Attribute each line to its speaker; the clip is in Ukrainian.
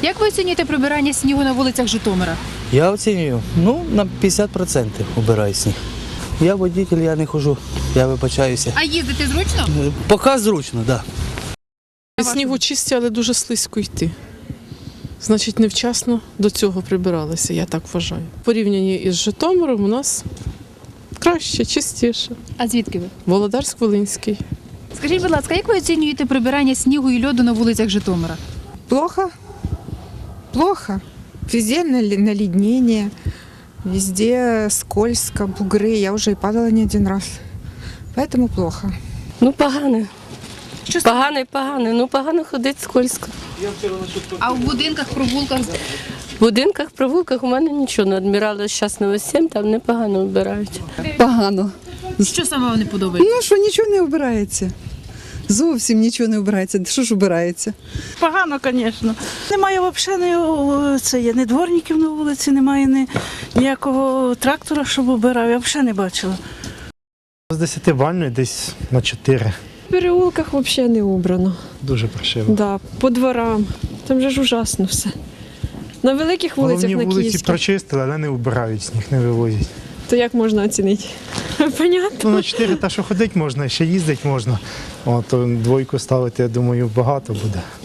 Speaker 1: Як ви оцінюєте прибирання снігу на вулицях Житомира?
Speaker 2: Я оцінюю, на 50% убираю сніг. Я водитель, я не хожу, я вибачаюся.
Speaker 1: А їздити зручно?
Speaker 2: Поки зручно, так. Да.
Speaker 3: Снігу чисті, але дуже слизько йти. Значить, невчасно до цього прибиралися, я так вважаю. В порівнянні із Житомиром у нас краще, чистіше.
Speaker 1: А звідки ви?
Speaker 3: Володарськ-Волинський.
Speaker 1: Скажіть, будь ласка, як ви оцінюєте прибирання снігу і льоду на вулицях Житомира?
Speaker 4: Плохо. Плохо. Везде наледнение, везде скользко, бугры. Я уже и падала не один раз. Поэтому плохо.
Speaker 5: Погано. Погано ходить скользко.
Speaker 1: А в будинках, провулках?
Speaker 5: В будинках, провулках у мене нічого не адмірали зараз на 7, там непогано вбирають.
Speaker 6: Погано.
Speaker 1: Що саме вам не подобається?
Speaker 6: Ну що, нічого не обирається. Зовсім нічого не обирається. Що ж обирається?
Speaker 7: Погано, звісно. Немає взагалі ні дворників на вулиці, немає ніякого трактора, щоб обирав. Я взагалі не бачила.
Speaker 8: З 10 бальної десь на 4.
Speaker 9: В переулках взагалі не убрано.
Speaker 8: Дуже паршиво.
Speaker 9: Да, по дворам. Там же ж ужасно все. На великих вулицях,
Speaker 8: Головні
Speaker 9: на
Speaker 8: вулиці
Speaker 9: Київських,
Speaker 8: прочистили, але не убирають, сніг не вивозять.
Speaker 9: то як можна оцінити? Понятно.
Speaker 8: На 4 та що ходити можна, ще їздити можна. То двойку ставити, я думаю, багато буде.